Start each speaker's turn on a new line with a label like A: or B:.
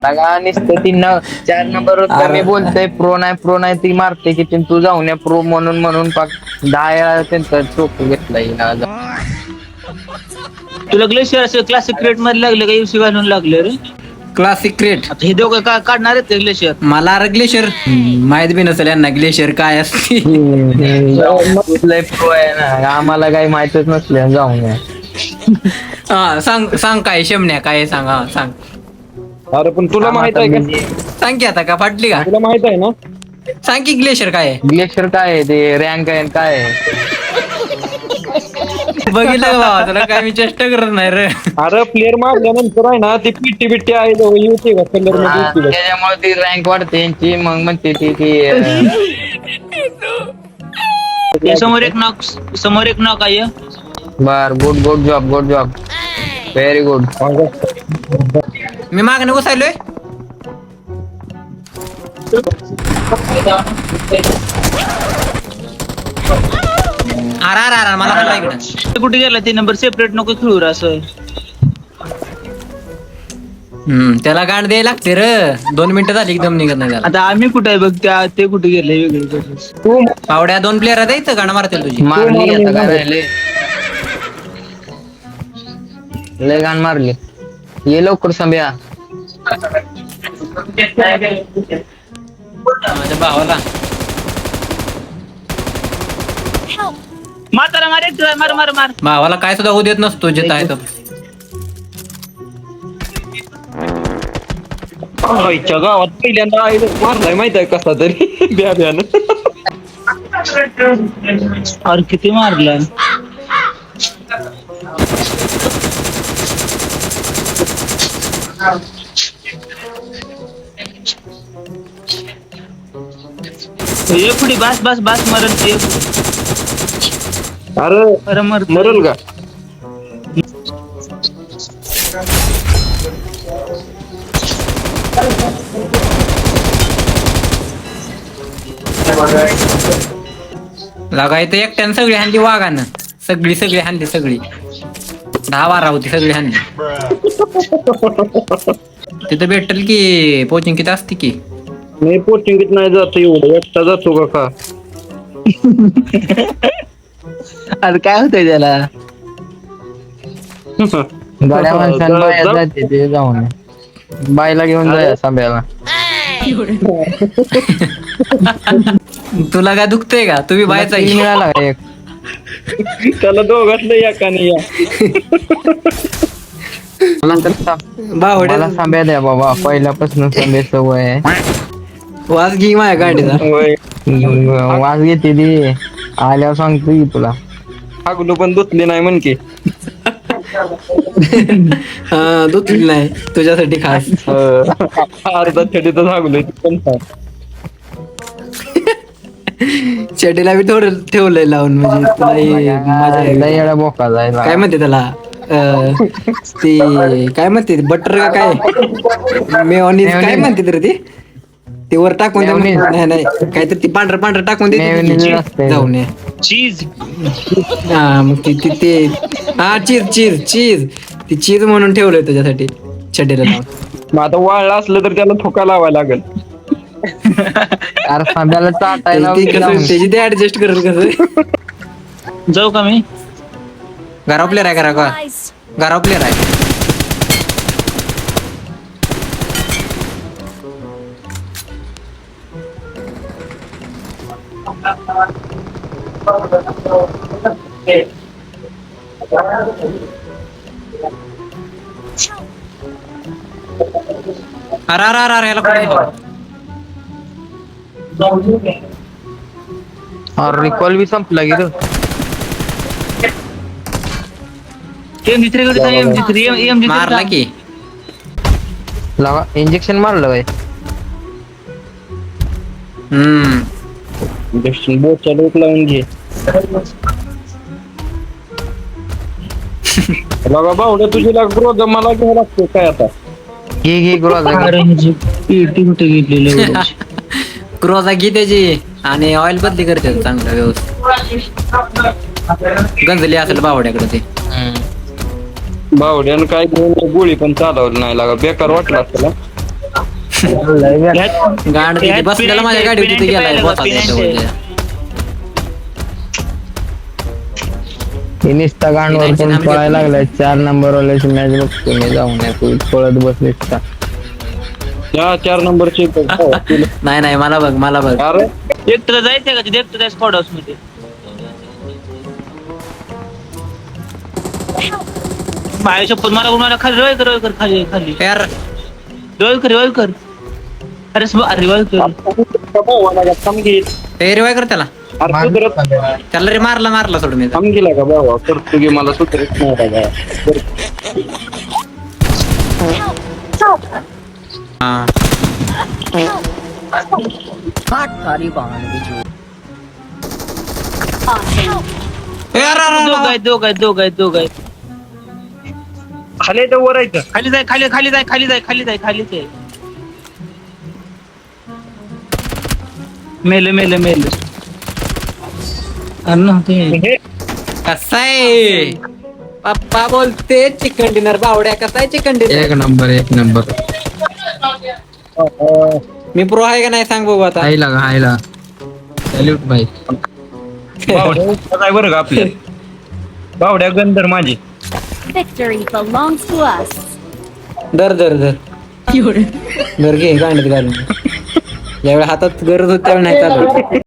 A: लगा नुसतं ती 4 नंबरवर कमी बोलतय. प्रो नाही ती मारते की तू जाऊन या प्रो म्हणून पाक 10 वेळा त्यांचा चोक घेतलाय ना.
B: तुला ग्लेशियर असं क्लासिक क्रिएट मध्ये लागले का युसी घालून लागले रे?
C: क्लासिक क्रिएट
B: आता हे दोघं का काढणार आहेत ग्लेशियर?
C: मला ग्लेशियर माहित बी नसेल यांना ग्लेशियर काय असते.
A: लय प्रो आहे ना, आम्हाला काही माहितच नसले. जाऊन या.
C: हा सांग काय शेमण्या काय सांग. हा सांग.
D: अरे पण तुला माहित आहे का?
C: सांग की आता का फाटली का?
D: तुला माहित आहे ना?
C: सांग की ग्लेशियर काय आहे?
A: ग्लेशियर काय आहे ते रँक आहे काय आहे?
C: बघितलं का बाबा, तुला काय मी चेष्टा करत नाही रे.
D: अरे प्लेअर मारल्यानंतर आहे ना ती पिट्टी बिट्टी आहे येते का कलर मध्ये येते का?
A: त्याच्यामुळे ती रँक वाढते यांची. मग म्हणते ती
B: हे समोर एक नॉक आहे.
A: बर गुड जॉब व्हेरी गुड.
C: मी मागणं घुसायलोय. अरे मला हल्ला इकडं.
B: कुठे गेला ते नंबर सेपरेट नको खेळू रे असं.
C: त्याला गांड द्यायला लागते रे. 2 मिनिटं झाली एकदम निघत नाही त्याला.
B: आता आम्ही कुठे आहे बघ, ते कुठे गेले वेगळे.
C: पावड्या 2 प्लेअर द्यायचं गाणं मारतील तुझी.
A: मारली आता काय राहिले. लय गाण मारली. ये लवकर संभ्या.
C: माझ्या भावाला
B: माताला मार.
C: भावाला काय सुद्धा होऊ देत नसतो जिथं आहे तो.
D: आईच्या गावात पहिल्यांदा आहे मारलाय माहित आहे कसा तरी ब्यानं.
B: अरे किती मारला. ये पुढे बस मरण ते.
D: अरे मरल का?
C: लागा इथं एकट्यानं सगळी हाणली वाघानं. सगळी हाणली. 10-12 होती सगळी हाणली. तिथं भेटल की पोचिंग किती असते की.
D: नाही पोटिंगीत नाही जातो एवढं एकटा जातो का?
B: अरे काय होतंय त्याला.
A: गाड्या माणसांना बाहेर जाते ते जाऊन बायला घेऊन जाया सांब्याला.
C: तुला काय दुखतंय का? तुम्ही बायचा
A: मिळाला का एक?
D: त्याला दोघातलं एका नाही या.
A: मला सांब्या द्या बाबा, पहिल्यापासून सांब्या सवय आहे.
C: वाज घे माझ्या गाडीचा.
A: वाज घेते ती आल्यावर सांगतो की तुला.
D: हागलो पण धुतली नाही म्हण की.
C: हा धुतली नाही तुझ्यासाठी खास.
D: अर्धा छडीतच हागलोय पण
C: चेटीला बी थोडं ठेवलंय लावून म्हणजे तुला मजा
A: येडा बोका जायला.
C: काय म्हणते त्याला ती काय म्हणते बटर का काय मेयोनीज काय म्हणते तर ते वर टाकून नाही काहीतरी ती पांढरं टाकून देते जाऊन
B: चीज.
C: हा मग ते हा चीज ती चीज म्हणून ठेवलंय तुझ्यासाठी चेटीला लावून.
D: मग आता वाळला असलं तर त्याला ठोका लावायला लागेल.
A: अरे सांब्याला चाटायला
C: त्याची ते ऍडजस्ट करेल कसं.
B: जाऊ का मी?
C: घराव प्लेअर आहे घराव प्लेअर आहे. अरे याला
A: अरे रिकॉल बी संपला गेलं.
C: मारला की
A: लावा इंजेक्शन मारलं बाई.
D: बोटचा डोक लावून घे. बघा भाऊ तुझी ग्रोज मला घ्यावं लागतो काय आता.
A: घे
B: कुठे गेलेलं.
C: क्रोजा घे त्याची आणि ऑइल बदली करते चांगलं व्यवस्थित. गंजली असेल बावड्याकडे ते.
D: बावड्यानं काय घेऊन गोळी पण चालवली नाही लागा बेकार वाटला त्याला.
C: गाड तिथे बसलेला माझ्या गाडी तिथे गेलाय बसा त्याच्यावर.
A: हे नुसता गांडवर पण पळायला लागलाय. 4 नंबर वाल्याची मॅच बघतो मी जाऊन तू पळत बसलीस का?
D: या 4 नंबरची
C: नाही मला बघ
D: अरे
B: एकटं जायचंय का तिथे एकटं स्पॉट हाऊस मध्ये माझ्या शपथ मला खाली रिवाइव कर खाली
C: यार
B: रिवाइव कर अरे रिवाइव कर
C: रिवाय कर त्याला.
D: अरे सुधरत
C: त्याला रे मारला सोडून मी.
D: थांब गेला का बाबा करतो की मला सुधरत नव्हता का
C: हा
B: दोघ आहेत
D: खाली तर वर आहे का?
B: खाली जाय मेल
D: हे
C: कसाय पप्पा बोलते चिकन डिनर बावड्या. कसाय चिकन डिनर?
A: एक नंबर
C: मी प्रो आहे का नाही सांग बघू आता.
A: हायला सॅल्यूट भाई.
D: बावड्या काय बरं का आपल्या बावड्या गंधर माझी.
E: Victory belongs to us.
C: दर घे गांडीत घालून. ज्यावेळी हातात गरज होती त्यावेळी नाही चालू.